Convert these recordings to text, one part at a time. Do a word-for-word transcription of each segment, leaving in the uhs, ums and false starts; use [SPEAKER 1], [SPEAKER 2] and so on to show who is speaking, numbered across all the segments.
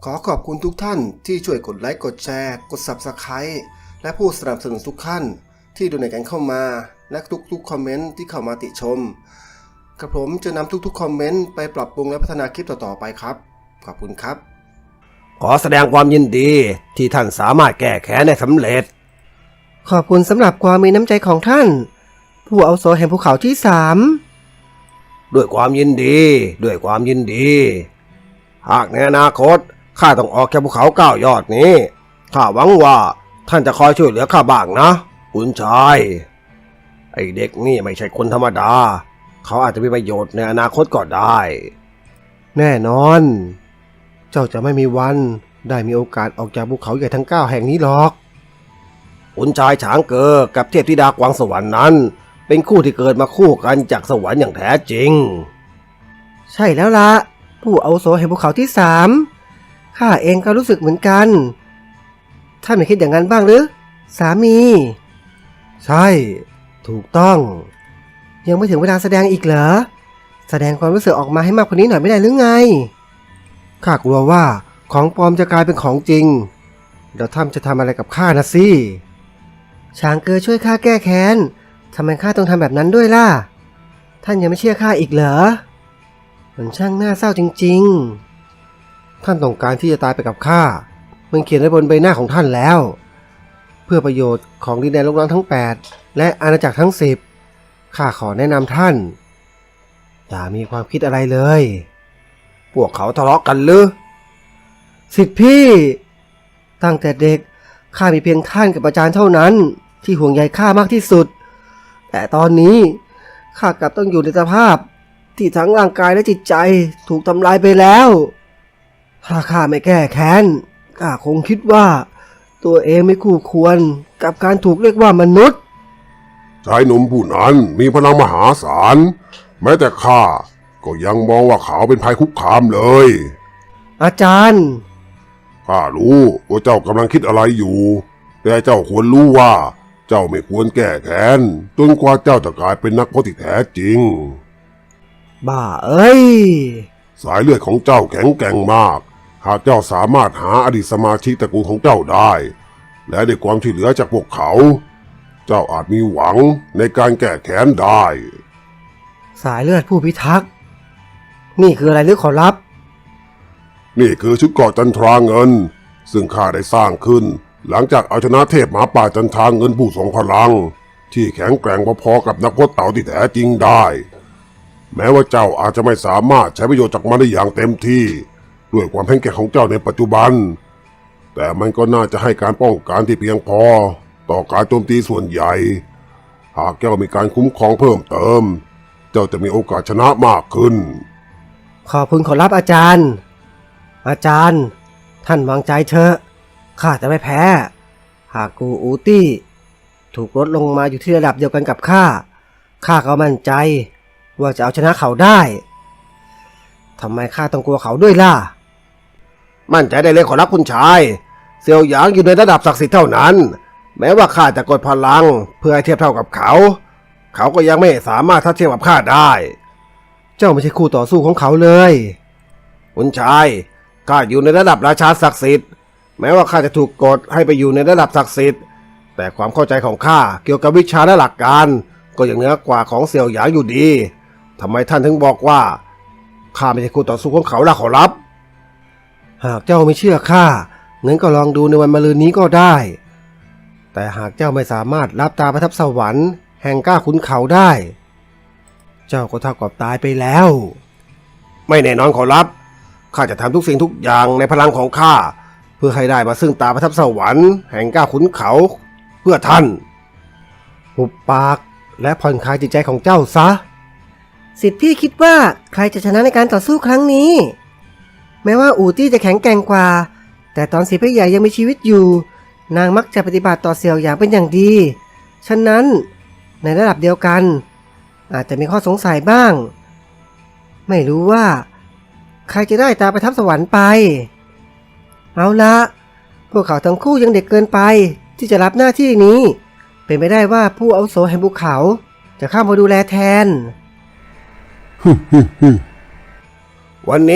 [SPEAKER 1] ขอขอบคุณทุกท่านที่ช่วยกดไลค์กดแชร์กด ซับสไครบ์ และผู้สนับสนุนทุกท่านที่ดูในกันเข้ามาและทุกๆคอมเมนต์ที่เข้ามาติชมกระผมจะนำทุกๆคอมเมนต์ไปปรับปรุงและพัฒนาคลิปต่อๆไปครับขอบคุณครับ
[SPEAKER 2] ขอแสดงความยินดีที่ท่านสามารถแก้แค้นได้สำเร็จ
[SPEAKER 3] ขอบคุณสำหรับความมีน้ำใจของท่านผู้อาวุโสแห่งภูเขาที่สาม
[SPEAKER 2] ด้วยความยินดีด้วยความยินดีหากในอนาคตข้าต้องออกจากภูเขาเก้ายอดนี้ข้าหวังว่าท่านจะคอยช่วยเหลือข้าบ้างนะคุณชายไอเด็กนี่ไม่ใช่คนธรรมดาเขาอาจจะมีประโยชน์ในอนาคตก็ได้
[SPEAKER 3] แน่นอนเจ้าจะไม่มีวันได้มีโอกาสออกจากภูเขาใหญ่ทั้งเก้าแห่งนี้หรอก
[SPEAKER 2] คุณชายฉางเก๋อกับเทพธิดากวางสวรรค์นั้นเป็นคู่ที่เกิดมาคู่กันจากสวรรค์อย่างแท้จริง
[SPEAKER 3] ใช่แล้วละผู้อาวุโสแห่งภูเขาที่สามข้าเองก็รู้สึกเหมือนกันท่านไม่คิดอย่างนั้นบ้างหรือสามีใช่ถูกต้องยังไม่ถึงเวลาแสดงอีกเหรอแสดงความรู้สึกออกมาให้มากกว่านี้หน่อยไม่ได้หรือไงข้ากลัวว่าของปลอมจะกลายเป็นของจริงเดี๋ยวท่านจะทำอะไรกับข้านะสิช้างเกอช่วยข้าแก้แค้นทำไมข้าต้องทำแบบนั้นด้วยล่ะท่านยังไม่เชื่อข้าอีกเหรอมันช่างน่าเศร้าจริงๆท่านต้องการที่จะตายไปกับข้ามันเขียนไว้บนใบหน้าของท่านแล้วเพื่อประโยชน์ของดินแดนโลกร้างทั้งแปดและอาณาจักรทั้งสิบข้าขอแนะนำท่านอย่ามีความคิดอะไรเลย
[SPEAKER 2] พวกเขาทะเลาะกันหรือ
[SPEAKER 3] สิทธิพี่ตั้งแต่เด็กข้ามีเพียงท่านกับอาจารย์เท่านั้นที่ห่วงใยข้ามากที่สุดแต่ตอนนี้ข้ากลับต้องอยู่ในสภาพที่ทั้งร่างกายและจิตใจถูกทำลายไปแล้วถ้าข้าไม่แก้แค้นข้าคงคิดว่าตัวเองไม่คู่ควรกับการถูกเรียกว่ามนุษย์
[SPEAKER 4] ชายหนุ่มผู้นั้นมีพลังมหาศาลแม้แต่ข้าก็ยังมองว่าเขาเป็นภัยคุกคามเลย
[SPEAKER 3] อาจารย์
[SPEAKER 4] ข้ารู้ว่าเจ้ากำลังคิดอะไรอยู่แต่เจ้าควรรู้ว่าเจ้าไม่ควรแก้แค้นจนกว่าเจ้าจะกลายเป็นนักพรตที่แท้จริง
[SPEAKER 3] บ้าเอ้ย
[SPEAKER 4] สายเลือดของเจ้าแข็งแกร่งมากหากเจ้าสามารถหาอดีตสมาชิกตระกูลของเจ้าได้และได้ความช่วยเหลือจากพวกเขาเจ้าอาจมีหวังในการแก้แค้นได้
[SPEAKER 3] สายเลือดผู้พิทักษ์นี่คืออะไรหรือขอรับ
[SPEAKER 4] นี่คือชุดเกราะจันทราเงินซึ่งข้าได้สร้างขึ้นหลังจากเอาชนะเทพหมาป่าจันทราเงินผู้ทรงพลังที่แข็งแกร่งพอๆกับนักพรตเต่าที่แท้จริงได้แม้ว่าเจ้าอาจจะไม่สามารถใช้ประโยชน์จากมันได้อย่างเต็มที่ด้วยความแข็งแกร่งของเจ้าในปัจจุบันแต่มันก็น่าจะให้การป้องกันที่เพียงพอต่อการโจมตีส่วนใหญ่หากเจ้ามีการคุ้มครองเพิ่มเติมเจ้าจะมีโอกาสชนะมากขึ้น
[SPEAKER 3] ขอบคุณขอรับอาจารย์อาจารย์ท่านวางใจเถอะข้าจะไม่แพ้หากกูอูตี้ถูกลดลงมาอยู่ที่ระดับเดียวกันกับข้าข้าก็มั่นใจว่าจะเอาชนะเขาได้ทำไมข้าต้องกลัวเขาด้วยล่ะ
[SPEAKER 2] มั่นใจได้เลยขอรับคุณชายเซียวหยางอยู่ในระดับศักดิ์สิทธิ์เท่านั้นแม้ว่าข้าจะกดพลังเพื่อให้เทียบเท่ากับเขาเขาก็ยังไม่สามารถทัดเทียมกับข้าได้
[SPEAKER 3] เจ้าไม่ใช่คู่ต่อสู้ของเขาเลย
[SPEAKER 2] คุณชายข้าอยู่ในระดับราชาศักดิ์สิทธิ์แม้ว่าข้าจะถูกกดให้ไปอยู่ในระดับศักดิ์สิทธิ์แต่ความเข้าใจของข้าเกี่ยวกับวิชาและหลักการก็ยังเหนือกว่าของเสี่ยวหยางอยู่ดีทำไมท่านถึงบอกว่าข้าไม่ใช่คู่ต่อสู้ของเขาล่ะขอรับ
[SPEAKER 3] หากเจ้าไม่เชื่อข้างั้นก็ลองดูในวันมะรืนนี้ก็ได้แต่หากเจ้าไม่สามารถรับตาประทับสวรรค์แห่งก้าขุนเขาได้เจ้าก็เท่ากับตายไปแล้ว
[SPEAKER 2] ไม่แน่นอนขอรับข้าจะทำทุกสิ่งทุกอย่างในพลังของข้าเพื่อให้ได้มาซึ่งตาประทับสวรรค์แห่งก้าขุนเขาเพื่อท่าน
[SPEAKER 3] หุบปากและผ่อนคลายจิตใจของเจ้าซะสิทธิพี่คิดว่าใครจะชนะในการต่อสู้ครั้งนี้แม้ว่าอู่ตี้จะแข็งแกร่งกว่าแต่ตอนสิทธิพี่ใหญ่ยังมีชีวิตอยู่นางมักจะปฏิบัติต่อเสี่ยวหยางเป็นอย่างดีฉะนั้นในระดับเดียวกันอาจจะมีข้อสงสัยบ้างไม่รู้ว่าใครจะได้ตาประทับสวรรค์ไปเอาละพวกเขาทั้งคู่ยังเด็กเกินไปที่จะรับหน้าที่นี้เป็นไปได้ว่าผู้อาวุโสแห่งภูเขาจะเข้ามาดูแลแทน
[SPEAKER 2] วันนี้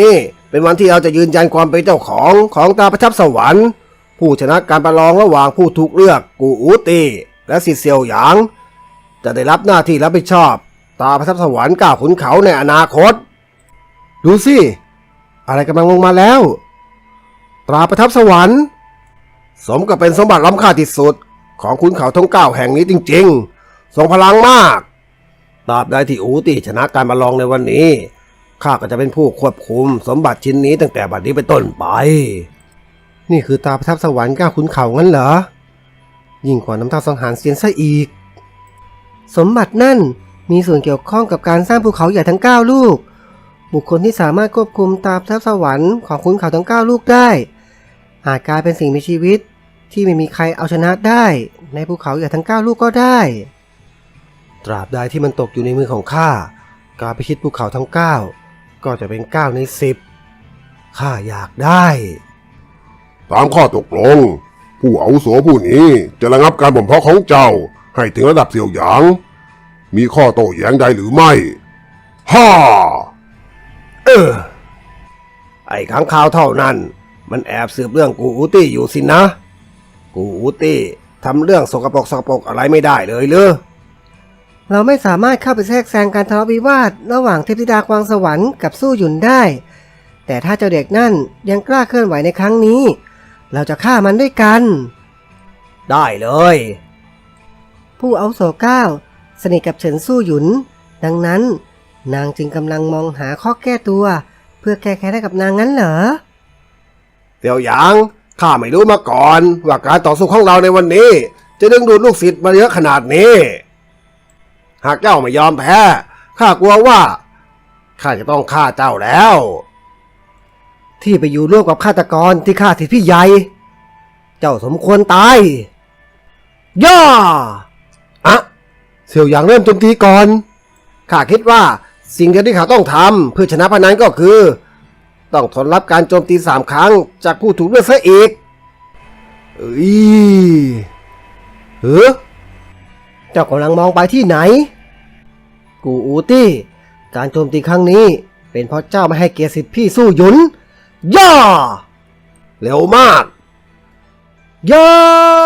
[SPEAKER 2] เป็นวันที่เราจะยืนยันความเป็นเจ้าของของตาประทับสวรรค์ผู้ชนะการประลองระหว่างผู้ถูกเลือกกูอูตีและสิเซียวหยางจะได้รับหน้าที่รับผิดชอบตาประทับสวรรค์ก้าวขุนเขาในอนาคตดูสิอะไรกำลังลงมาแล้วตราประทับสวรรค์สมกับเป็นสมบัติล้ำค่าที่สุดของขุนเขาทั้งเก้าแห่งนี้จริงๆทรงพลังมากตราบใดที่อูตีชนะการประลองในวันนี้ข้าก็จะเป็นผู้ควบคุมสมบัติชิ้นนี้ตั้งแต่บัดนี้เป็นต้นไป
[SPEAKER 3] นี่คือตาประทับสวรรค์ก้าวขุนเขางั้นเหรอยิ่งกว่าน้ำตาสังหารเซียนซะอีกสมบัตินั่นมีส่วนเกี่ยวข้องกับการสร้างภูเขาใหญ่ทั้งเก้าลูกบุคคลที่สามารถควบคุมตาประทับสวรรค์ของขุนเขาทั้งเก้าลูกได้อาจกลายเป็นสิ่งมีชีวิตที่ไม่มีใครเอาชนะได้ในภูเขาใหญ่ทั้งเก้าลูกก็ได้ตราบใดที่มันตกอยู่ในมือของข้าการพิชิตภูเขาทั้งเก้าก็จะเป็นเก้าในสิบข้าอยากได้
[SPEAKER 4] ตามข้อตกลงผู้อาวุโสผู้นี้จะระงับการบ่มเพาะของเจ้าให้ถึงระดับเสี่ยวหยางมีข้อโต้แย้งใดหรือไม่ฮ่า
[SPEAKER 2] เออไอ้ขังข่าวเท่านั้นมันแอบสืบเรื่องกูอูตี้อยู่สินะกูอูตี้ทำเรื่องสกปรกสกปรกอะไรไม่ได้เลยเหรอ
[SPEAKER 3] เราไม่สามารถเข้าไปแทรกแซงการทะเลาะวิวาทระหว่างเทพธิดากวางสวรรค์กับสู้หยุนได้แต่ถ้าเจ้าเด็กนั่นยังกล้าเคลื่อนไหวในครั้งนี้เราจะฆ่ามันด้วยกัน
[SPEAKER 2] ได้เลย
[SPEAKER 3] ผู้อาวุโสเก้าสนิทกับเฉินสู้หยุนดังนั้นนางจึงกำลังมองหาข้อแก้ตัวเพื่อแก้แค้นให้กับนางงั้นเหรอ
[SPEAKER 2] เสี่ยวหยางข้าไม่รู้มาก่อนว่าการต่อสู้ของเราในวันนี้จะดึงดูดลูกศิษย์มาเยอะขนาดนี้หากเจ้าไม่ยอมแพ้ข้ากลัวว่าข้าจะต้องฆ่าเจ้าแล้ว
[SPEAKER 3] ที่ไปอยู่ร่วมกับฆาตกรที่ฆ่าทิดพี่ใหญ่เจ้าสมควรตาย
[SPEAKER 2] ย่าอะ
[SPEAKER 3] เสี่ยวหยางเริ่มโจมตีก่อน
[SPEAKER 2] ข้าคิดว่าสิ่งเดียวที่เขาต้องทำเพื่อชนะพนันก็คือต้องทนรับการโจมตีสามครั้งจากผู้ถูกเลือกซะอีก
[SPEAKER 3] เอ้ยเฮ้อเจ้ากำลังมองไปที่ไหนกูอูตี้การโจมตีครั้งนี้เป็นเพราะเจ้าไม่ให้เกียรติสิทธิพี่สู้หยุนย่า
[SPEAKER 2] เร็วมาก
[SPEAKER 3] ย่า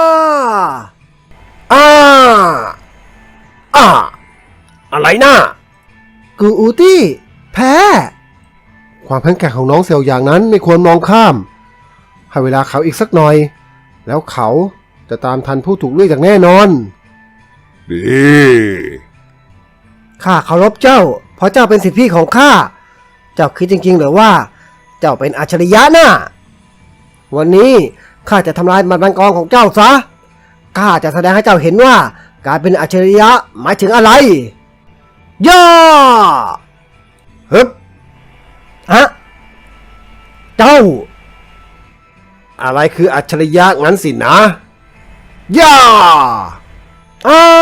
[SPEAKER 2] อ้าอ้าอะไรนะ
[SPEAKER 3] กูอูตี้แพ้ความแข็งแกร่งของน้องเสี่ยวหยางนั้นไม่ควรมองข้ามให้เวลาเขาอีกสักหน่อยแล้วเขาจะตามทันผู้ถูกเลือกอย่างแน่นอน
[SPEAKER 4] ดี
[SPEAKER 3] ข้าเคารพเจ้าเพราะเจ้าเป็นสิทธิพี่ของข้าเจ้าคิดจริงๆหรือว่าเจ้าเป็นอัจฉริยะน่ะวันนี้ข้าจะทำลายมันบังกรของเจ้าซะข้าจะแสดงให้เจ้าเห็นว่าการเป็นอัจฉริยะหมายถึงอะไรย่า
[SPEAKER 2] ฮึบ
[SPEAKER 3] อะเจ้า
[SPEAKER 2] อะไรคืออัจฉริยะงั้นสินะย่า
[SPEAKER 3] อ้า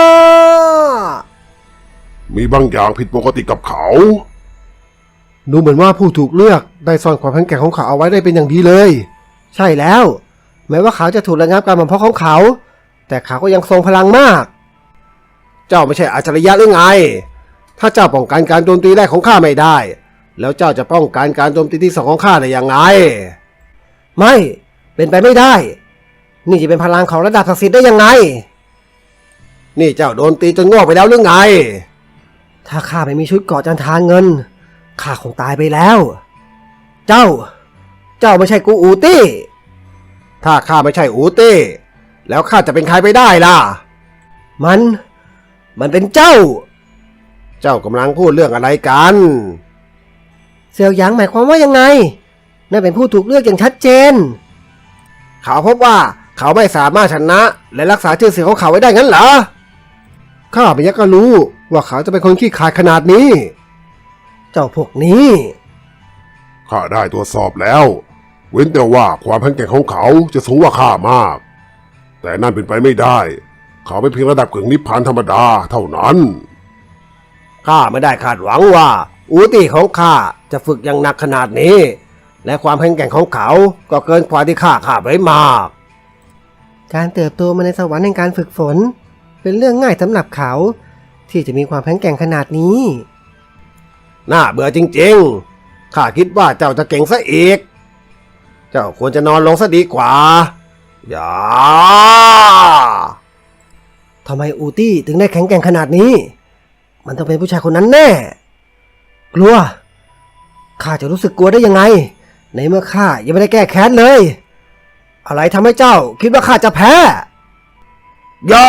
[SPEAKER 4] มีบางอย่างผิดปกติกับเขา
[SPEAKER 3] ดูเหมือนว่าผู้ถูกเลือกได้ซ่อนความแข็งแกร่งของเขาเอาไว้ได้เป็นอย่างดีเลยใช่แล้วแม้ว่าเขาจะถูกระงับการบ่มเพาะของเขาแต่เขาก็ยังทรงพลังมาก
[SPEAKER 2] เจ้าไม่ใช่อัจฉริยะหรือไงถ้าเจ้าป้องกันการโจมตีแรกของข้าไม่ได้แล้วเจ้าจะป้องกันการโจมตีที่สองของข้าได้อย่างไร
[SPEAKER 3] ไม่เป็นไปไม่ได้นี่จะเป็นพลังของระดับศักดิ์สิทธิ์ได้ยังไง
[SPEAKER 2] นี่เจ้าโดนตีจนงอกไปแล้วหรือไง
[SPEAKER 3] ถ้าข้าไม่มีชุดเกราะจันทานเงินข้าคงตายไปแล้วเจ้าเจ้าไม่ใช่กูอูตี้
[SPEAKER 2] ถ้าข้าไม่ใช่อูตี้แล้วข้าจะเป็นใครไปได้ล่ะ
[SPEAKER 3] มันมันเป็นเจ้า
[SPEAKER 2] เจ้ากำลังพูดเรื่องอะไรกัน
[SPEAKER 3] เสี่ยวหยางหมายความว่ายังไงนั่นเป็นผู้ถูกเลือกอย่างชัดเจน
[SPEAKER 2] เขาพบว่าเขาไม่สามารถชนะและรักษาชื่อเสียงของเขาไว้ได้งั้นเหรอ
[SPEAKER 3] ข้าไม่อยากจะรู้ว่าเขาจะเป็นคนขี้ขลาดขนาดนี้เจ้าพวกนี้
[SPEAKER 4] ข้าได้ตรวจสอบแล้วเว้นแต่ว่าความแข็งแกร่งของเขาจะสูงกว่าข้ามากแต่นั่นเป็นไปไม่ได้เขาเป็นเพียงระดับกึ่งนิพพานธรรมดาเท่านั้น
[SPEAKER 2] ข้าไม่ได้คาดหวังว่าอูตี้ของข้าจะฝึกอย่างหนักขนาดนี้และความแข็งแกร่งของเขาก็เกินกว่าที่ข้าคาดไว้มาก
[SPEAKER 3] การเติบโตมาในสวรรค์แห่งการฝึกฝนเป็นเรื่องง่ายสำหรับเขาที่จะมีความแข็งแกร่งขนาดนี้
[SPEAKER 2] น่าเบื่อจริงๆข้าคิดว่าเจ้าจะเก่งซะอีก เจ้าควรจะนอนลงซะดีกว่า อย่า
[SPEAKER 3] ทำไมอูตี้ถึงได้แข็งแกร่งขนาดนี้ มันต้องเป็นผู้ชายคนนั้นแน่ กลัว ข้าจะรู้สึกกลัวได้ยังไง ในเมื่อข้ายังไม่ได้แก้แค้นเลย อะไรทำให้เจ้าคิดว่าข้าจะแพ้
[SPEAKER 2] ย่า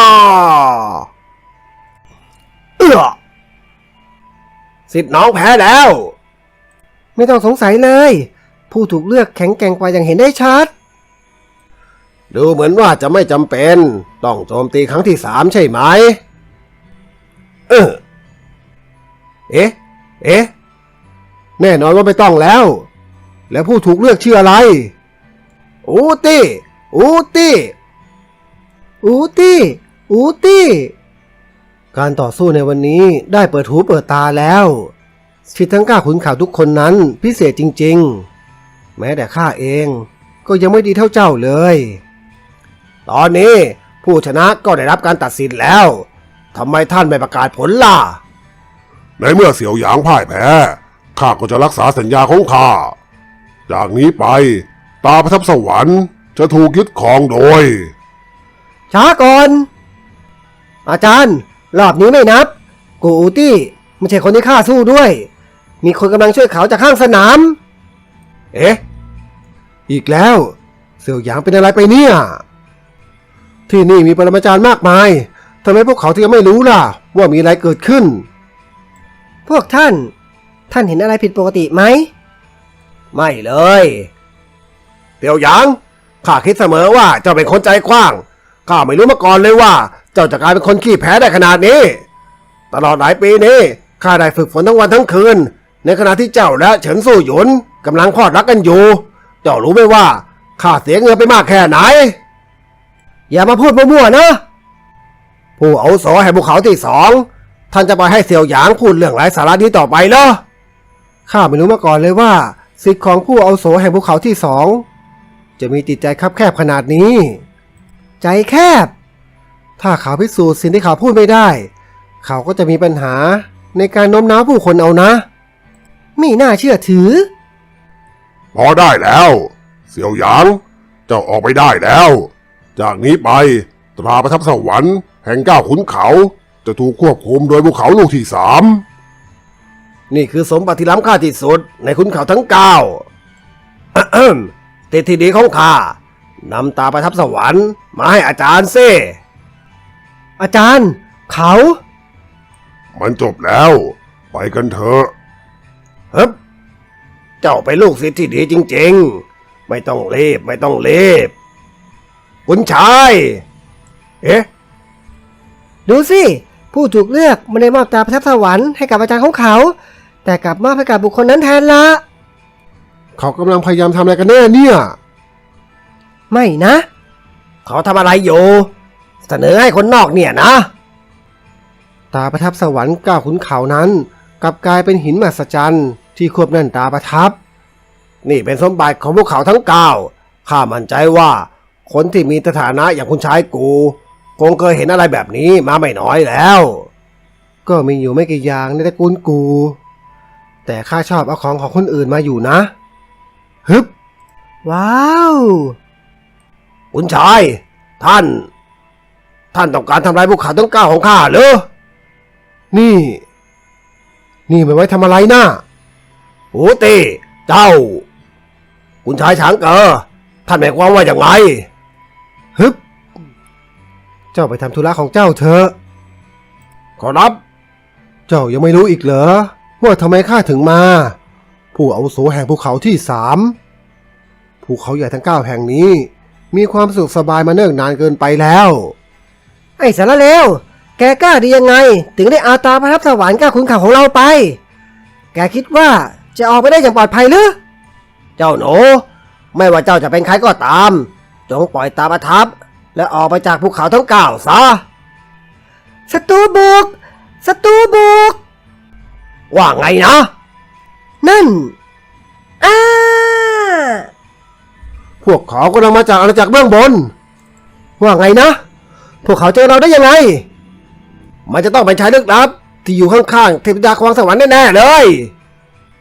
[SPEAKER 3] เอื้อ
[SPEAKER 2] สิทธิ์น้องแพ้แล้ว
[SPEAKER 3] ไม่ต้องสงสัยเลย ผู้ถูกเลือกแข็งแกร่งกว่าอย่างเห็นได้ชัด
[SPEAKER 2] ดูเหมือนว่าจะไม่จำเป็น ต้องโจมตีครั้งที่สามใช่ไหม เออ เอ๊ะ เอ๊ะ แน่นอนว่าไม่ต้องแล้ว แล้วผู้ถูกเลือกชื่ออะไร อูตี้ อูตี้
[SPEAKER 3] อูตี้ อูตี้ การต่อสู้ในวันนี้ได้เปิดหูเปิดตาแล้วสิทธิ์ทั้งเก้าขุนเขาทุกคนนั้นพิเศษจริงๆ แม้แต่ข้าเองก็ยังไม่ดีเท่าเจ้าเลย
[SPEAKER 2] ตอนนี้ผู้ชนะก็ได้รับการตัดสินแล้ว ทำไมท่านไม่ประกาศผลล่ะ
[SPEAKER 4] ในเมื่อเสี่ยวหยางพ่ายแพ้ข้าก็จะรักษาสัญญาของข้าจากนี้ไปตาประทับสวรรค์จะถูกยึดครองโดย
[SPEAKER 3] ช้าก่อน อาจารย์ รอบนี้ไม่นับ กูอูตี้ไม่ใช่คนที่ข้าสู้ด้วย มีคนกำลังช่วยเขาจากข้างสนาม
[SPEAKER 2] เอ๊ะ อีกแล้ว เสี่ยวหยางเป็นอะไรไปเนี่ย ที่นี่มีปรมาจารย์มากมายทำไมพวกเขาถึงไม่รู้ล่ะ ว่ามีอะไรเกิดขึ้น
[SPEAKER 3] พวกท่าน ท่านเห็นอะไรผิดปกติไหม
[SPEAKER 2] ไม่เลยเสี่ยวหยางข้าคิดเสมอว่าเจ้าเป็นคนใจกว้างข้าไม่รู้มาก่อนเลยว่า เจ้าจะกลายเป็นคนขี้แพ้ได้ขนาดนี้ ตลอดหลายปีนี้ข้าได้ฝึกฝนทั้งวันทั้งคืน ในขณะที่เจ้าและเฉินสู้หยุนกำลังพลอดรักกันอยู่ เจ้ารู้ไหมว่าข้าเสียเงินไปมากแค่ไหน
[SPEAKER 3] อย่ามาพูดมั่วๆนะ
[SPEAKER 2] ผู้อาวุโสแห่งภูเขาที่สองท่านจะไปให้เสี่ยวหยางพูดเรื่องไร้สาระนี้ต่อไปเหรอ
[SPEAKER 3] ข้าไม่รู้มาก่อนเลยว่าสิทธิ์ของผู้อาวุโสแห่งภูเขาที่สองจะมีจิตใจคับแคบขนาดนี้ ใจแคบ ถ้าเขาพิสูจน์สิ่งที่เขาพูดไม่ได้ เขาก็จะมีปัญหาในการโน้มน้าวผู้คนเอานะไม่น่าเชื่อถือ
[SPEAKER 4] พอได้แล้ว เสี่ยวหยางเจ้าออกไปได้แล้ว จากนี้ไปตราประทับสวรรค์แห่งเก้าขุนเขาจะถูกควบคุมโดยภูเขาลูกที่สาม
[SPEAKER 2] นี่คือสมบัติที่ล้ำค่าที่สุดในขุนเขาทั้งเก้า ติดที่ดีของข้านำตาประทับสวรรค์มาให้อาจารย์เซ่
[SPEAKER 3] อาจารย์ เขา
[SPEAKER 4] มันจบแล้ว ไปกันเถอะ
[SPEAKER 2] ฮึบเจ้าเป็นลูกศิษย์ที่ดีจริงๆ ไม่ต้องรีบไม่ต้องรีบคุณชาย เอ๊ะ
[SPEAKER 3] ดูสิ ผู้ถูกเลือกไม่ได้มอบตาประทับสวรรค์ให้กับอาจารย์ของเขา แต่กลับมอบให้กับบุคคลนั้นแทนละ
[SPEAKER 2] เขากำลังพยายามทำอะไรกันแน่เนี่ย
[SPEAKER 3] ไม่นะ
[SPEAKER 2] เขาทำอะไรอยู่ เสนอให้คนนอกเนี่ยนะ
[SPEAKER 3] ตาประทับสวรรค์เก้าขุนเขานั้นกลับกลายเป็นหินมหัศจรรย์ที่ควบแน่นตาประทับ
[SPEAKER 2] นี่เป็นสมบัติของพวกเขาทั้งเก้าข้ามั่นใจว่า คนที่มีสถานะอย่างคุณชายกู คงเคยเห็นอะไรแบบนี้มาไม่น้อยแล้ว
[SPEAKER 3] ก็มีอยู่ไม่กี่อย่างในตระกูลกู แต่ข้าชอบเอาของของคนอื่นมาอยู่นะ
[SPEAKER 2] ฮึบ
[SPEAKER 3] ว้าว
[SPEAKER 2] คุณชาย ท่าน ท่านต้องการทำลายภูเขาทั้งเก้าของข้าเหรอ
[SPEAKER 3] นี่ นี่มันไว้ทำอะไรนะ
[SPEAKER 2] โอ้ตีเจ้า คุณชายช้างเกอท่านหมายความว่าอย่างไร
[SPEAKER 3] ฮึบ เจ้าไปทำธุระของเจ้าเถอะ
[SPEAKER 2] ขอรับ
[SPEAKER 3] เจ้ายังไม่รู้อีกเหรอว่าทำไมข้าถึงมา ผู้อาวุโสแห่งภูเขาที่สามภูเขาใหญ่ทั้งเก้าแห่งนี้ มีความสุขสบายมาเนิ่นนานเกินไปแล้ว ไอ้สารเลว แกกล้าดียังไง ถึงได้อาตาประทับสวรรค์เก้าขุนเขาของเราไป แกคิดว่าจะออกไปได้อย่างปลอดภัยหรือ
[SPEAKER 2] เจ้าหนูไม่ว่าเจ้าจะเป็นใครก็ตาม จงปล่อยตาประทับ และออกไปจากภูเขาทั้งเก้าซะ
[SPEAKER 3] ศัตรูบุก ศัตรูบุก
[SPEAKER 2] ว่าไงนะ
[SPEAKER 3] นั่นอ้า
[SPEAKER 2] พวกเขากำลังมาจากอาณาจักรเบื้องบน
[SPEAKER 3] ว่าไงนะ พวกเขาเจอเราได้ยังไง
[SPEAKER 2] มันจะต้องเป็นชายลึกลับที่อยู่ข้างๆเทพธิดาควางสวรรค์แน่ๆเลย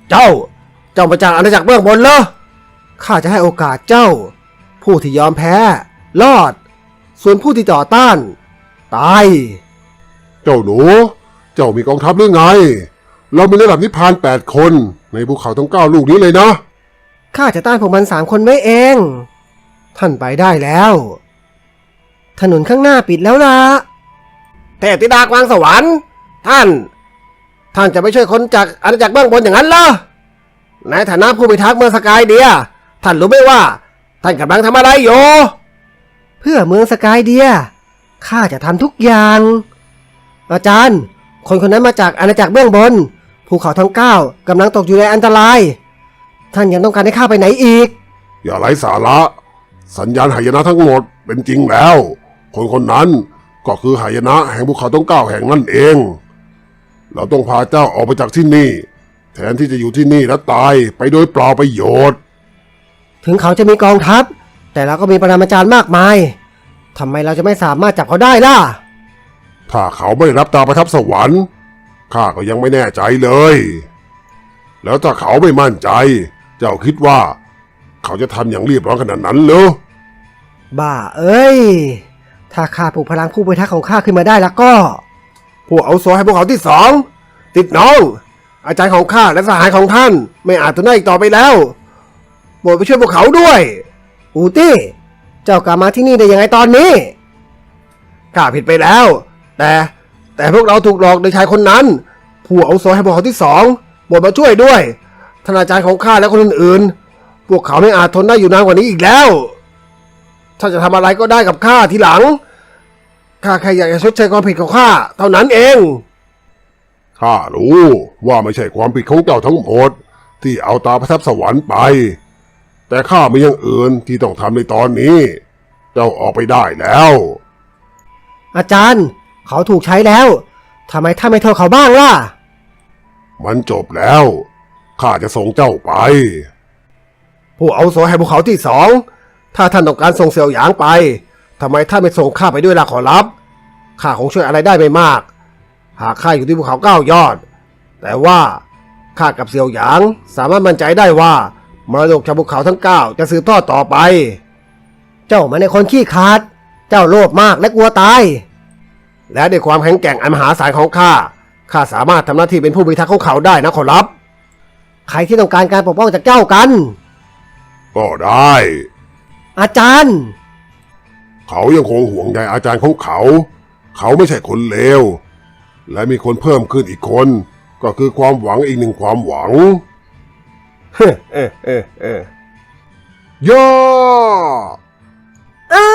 [SPEAKER 2] เจ้า เจ้ามาจากอาณาจักรเบื้องบนเหรอ
[SPEAKER 3] ข้าจะให้โอกาสเจ้า ผู้ที่ยอมแพ้ รอด ส่วนผู้ที่ต่อต้าน ตาย
[SPEAKER 4] เจ้าหนู เจ้ามีกองทัพหรือไง เรามีระดับนิพพานแปดคนในภูเขาทั้งเก้าลูกนี้เลยนะ
[SPEAKER 3] ข้าจะต้านพวกมันสามคนไว้เอง ท่านไปได้แล้ว ถนนข้างหน้าปิดแล้วล่ะ
[SPEAKER 2] เทพธิดากวางสวรรค์ ท่าน ท่านจะไปช่วยคนจากอาณาจักรเบื้องบนอย่างนั้นเหรอ ในฐานะผู้พิทักษ์เมืองสกายเดีย ท่านรู้ไหมว่า ท่านกำลังทำอะไรอยู่
[SPEAKER 3] เพื่อเมืองสกายเดีย ข้าจะทำทุกอย่าง อาจารย์ คนคนนั้นมาจากอาณาจักรเบื้องบน ภูเขาทั้งเก้ากำลังตกอยู่ในอันตราย ท่านยังต้องการให้ข้าไปไหนอีก
[SPEAKER 4] อย่าไร้สาระ สัญญาณหายนะทั้งหมดเป็นจริงแล้ว คนคนนั้นก็คือหายนะแห่งภูเขาทั้งเก้าแห่งนั่นเอง เราต้องพาเจ้าออกไปจากที่นี่ แทนที่จะอยู่ที่นี่และตายไปโดยเปล่าประโยชน์
[SPEAKER 3] ถึงเขาจะมีกองทัพ แต่เราก็มีปรมาจารย์มากมาย ทำไมเราจะไม่สามารถจับเขาได้ล่ะ
[SPEAKER 4] ถ้าเขาไม่รับตาประทับสวรรค์ข้าก็ยังไม่แน่ใจเลย แล้วถ้าเขาไม่มั่นใจ เจ้าคิดว่า เขาจะทำอย่างรีบร้อนขนาดนั้นเหรอ
[SPEAKER 3] บ้าเอ้ย ถ้าข้าปลุกพลังผู้พิทักษ์ของข้าขึ้นมาได้แล้วก็
[SPEAKER 2] ผู้อาวุโสให้พวกเขาที่สอง ติดน้อง อาจารย์ของข้าและสหายของท่าน ไม่อาจทนได้อีกต่อไปแล้วโปรดไปช่วยพวกเขาด้วย
[SPEAKER 3] อูตี้ เจ้ากลับมาที่นี่ได้ยังไงตอนนี้
[SPEAKER 2] ข้าผิดไปแล้ว แต่แต่พวกเราถูกหลอกโดยชายคนนั้น ผู้อาวุโสให้พวกเขาที่สองโปรดมาช่วยด้วยท่านอาจารย์ของข้าและคนอื่นๆ พวกเขาไม่อาจทนได้อยู่นานกว่านี้อีกแล้วถ้าจะทำอะไรก็ได้กับข้าทีหลังข้าแค่อยากจะชดเชยความผิดของข้าเท่านั้นเอง
[SPEAKER 4] ข้ารู้ว่าไม่ใช่ความผิดของเจ้าทั้งหมดที่เอาตาประทับสวรรค์ไป แต่ข้ามีอย่างอื่นที่ต้องทำในตอนนี้ เจ้าออกไปได้แล้ว
[SPEAKER 3] อาจารย์ เขาถูกใช้แล้ว ทำไมท่านไม่โทษเขาบ้างล่ะ
[SPEAKER 4] มันจบแล้วข้าจะส่งเจ้าไป
[SPEAKER 2] ผู้อาวุโสแห่งภูเขาที่สองถ้าท่านต้องการส่งเสี่ยวหยางไปทำไมท่านไม่ส่งข้าไปด้วยล่ะขอรับข้าคงช่วยอะไรได้ไม่มาก หากข้าอยู่ที่ภูเขาเก้ายอด แต่ว่าข้ากับเสี่ยวหยางสามารถมั่นใจได้ว่ามรดกจากภูเขาทั้งเก้าจะสืบทอดต่อไป
[SPEAKER 3] เจ้ามันในคนขี้ขาด เจ้าโลภมากและกลัวตาย
[SPEAKER 2] และด้วยความแข็งแกร่งอันมหาศาลของข้าข้าสามารถทำหน้าที่เป็นผู้พิทักษ์ของเขาได้นะขอรับ
[SPEAKER 3] ใครที่ต้องการการปกป้องจากเจ้ากัน
[SPEAKER 4] ก็ได้
[SPEAKER 3] อาจารย์
[SPEAKER 4] เขายังคงห่วงใยอาจารย์ของเขา เขาไม่ใช่คนเลว และมีคนเพิ่มขึ้นอีกคน ก็คือความหวังอีกหนึ่งความหวัง
[SPEAKER 2] เฮ้เออเออเออย่
[SPEAKER 4] อ
[SPEAKER 3] อ้า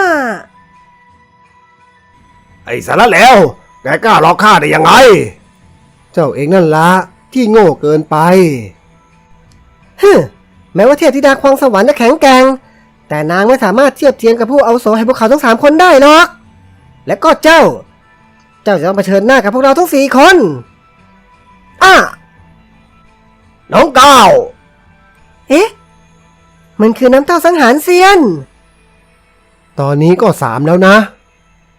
[SPEAKER 2] ไอ้สารเลวแกกล้าหลอกข้าได้ยังไง
[SPEAKER 3] เจ้าเองนั่นละที่โง่เกินไปฮึแม้ว่าเทพธิดาควงสวรรค์จะแข็งแกร่ง แต่นางไม่สามารถเทียบเทียมกับผู้อาวุโสให้พวกเขาทั้งสามคนได้หรอก และก็เจ้า เจ้าจะต้องเผชิญหน้ากับพวกเราทั้งสี่คนอ้า
[SPEAKER 2] น้องก้าว
[SPEAKER 3] เอ๊ะ มันคือน้ำเต้าสังหารเซียน
[SPEAKER 2] ตอนนี้ก็สามแล้วนะ